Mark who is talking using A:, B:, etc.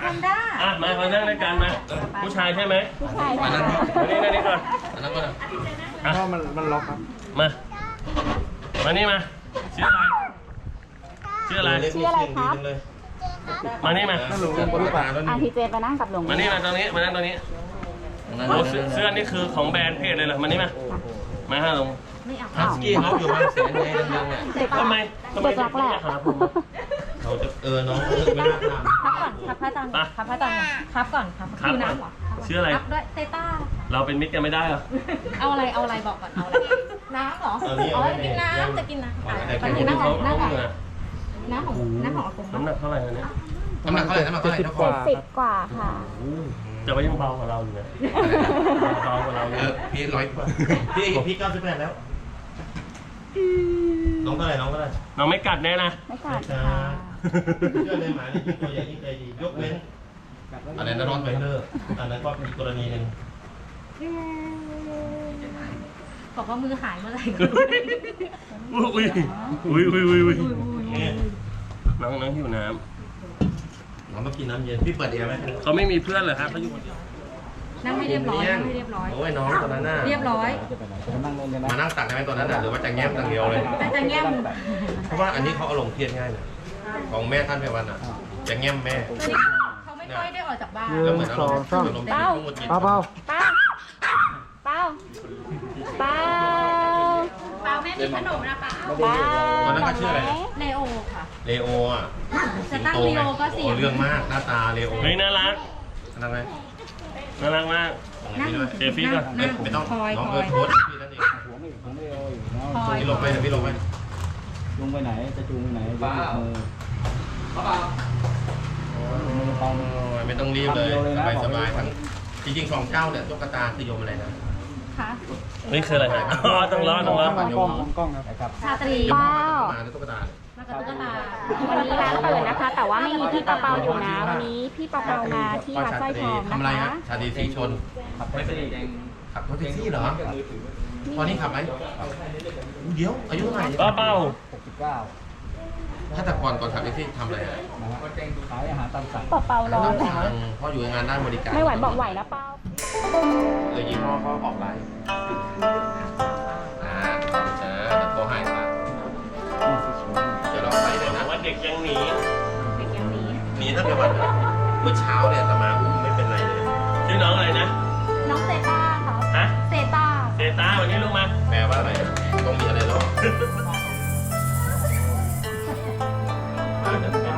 A: ฮอนด้า
B: มานั่งด้วยกันมาผู้ชายใช่ไหม
C: ผู้ชาย
B: มา
C: ค่ะ
B: นั่งนี่ก่อน
D: นั่นก็
B: เพราะมันล็อกครับมานี่มาชื่ออะไร
C: ชื่ออะไรครับ
B: มานี่มา
C: ทีเจไปนั่งกับลุง
B: มานี่มาตรงนี้มานั่งตรงนี้โอ้เสื้อนี่คือของแบรนด์เพจเลยเหรอมานี่มาฮะลุง
D: ฮัสกี้เขาอยู่บางแสนไงดังๆเนี่ย
B: ทำไม
C: เด็กรักแหละ
B: หาผม
D: เขาจะน้องไม่น่าทำ
A: ครับพระอาจารย์ครับพระอาจารย์ครับก่อนครับคือน้ำเหรอ
B: ชื่ออะไร
A: ครับด้วยเตต้า
B: เราเป็นมิตรกันไม่ได้เหรอ
A: เอาอะไรบอกก่อนเอาอะไรน้ำเหรออ๋อกินน้ำจะกินน้ำตอนนี้น้ำของน้ำของอากง
B: น้ำหนักเท่าไหร่เนี่ย
D: น้ำหนักเท่าไหร่ทุกคน
C: 70 กว่าค่ะ
B: แต่ว่ายังเบากว่าเราอยู่นะเบากว่าเราอยู่
D: พี่100 กว่าพี่98แล้วน้องเท่าไหร่น้อง
B: ไม่กัดแน่นะ
C: ไม่กัด
D: จ้า
C: ค่ะ
D: เชื่อเลยหมาเนี่ยยิ่งตัวใหญ่ยิ่งใจดียกเว้นอะไรนะนอนไฟเนอร์อันนั้นก็มีกรณีหนึ่ง
A: บอกว่ามือหายเมื่อไหร่
B: อุ้ยน้องหิวน้
D: น้องมากินน้ำเย็นพี่เปิดเองไหม
B: ำเขาไม่มีเพื่อนเหรอครับเขาอยู่คนเดียว
A: นั่งไม่เรียบร้อยนั่งไม่เรียบร้อย
D: โอ้ยน้องตอนนั้นน่ะ
A: เรียบร้อย
D: มานั่งตักได้ไหมตอนนั้นน่ะหรือว่าจะแง้มอย่างเดียวเลย
A: แต่จะแง้ม
D: เพราะว่าอันนี้เขาอารมณ์เครียดง่ายเลยของแม่ท่านไพวันอ่ะจะแง้มแม่
A: เขาไม่ค่อยได้ออกจากบ้าน
D: แล้วเหมือนอารมณ์เบา
C: เป้า
A: แม่มีขนมนะป้า
D: ตอนนั้นก็ชื่ออะไร
A: เลโอค่ะ
D: เลโออ่ะ
A: จะตั้งเลโอก็เสีย
D: เรื่องมากหน้าตาเลโอ
B: เฮ้ยน่ารัก
D: นั่นไหม
B: น่ารักมาก เซฟฟี่ก่อน
D: ไม่ต้อง
A: คอย
D: น้อง
A: คอย
D: โพสพี่นั่นเอง
A: คอย
D: พี่ลงไปพี่ลงไป
E: ลงไปไหน จะจูงไปไหนบ้ามือ
D: ไม่ต้องรีบเลยสบายทั้งจริงๆของเจ้าเนี่ยตุ๊กตาคือโยมอะไรนะ
A: ค่ะ
B: นี่คืออะไรฮะต้องรอ
E: กล้องครับ
A: ชาตรี
C: เป้า
D: มาตุ๊กตา
A: มากับตุ๊กตา
C: วันนี้ร้านเปิดนะคะ แต่ว่าไม่มีพี่เปาอยู่นะ วันนี้พี่เปามาที่วัดสร้อยทอง
D: ทำอะไร
C: นะ
D: ฮะ
C: คะ
D: ชาดีสีชนไม่เป็นขับรถแท็กซี่เหรอตอนนี้ขับไหมเดี๋ยวอายุเท่าไหร่
B: เป้า
E: 69
D: ถ้าแต่ก่อนขับแท็กซี่ทำอะไรอ่ะ
E: นะฮะขายอาหารตามสั่ง
C: เปาร้อนแล้ว
D: เพราะอยู่งานด้านบริการ
C: ไม่ไหวบอกไหวนะเป้า
D: ยี่ห้อเขาออกไลน์โทรให้ค่ะจะลองไปเลยนะ
B: ว่าเด็กยังหนี
A: เด็กอย่างนี้
D: นี่ถ้าเป็นวันเมื่อเช้าเนี่ยตมาอุ้มไม่เป็นไรเลย
B: ชื่อน้องอะไรนะ
A: น้องเซต้าค่ะ
B: ฮะ
A: เซต้า
B: เซตาวันนี้ลูกมา
D: แปลว่าอะไรต้องมีอะไรหรอ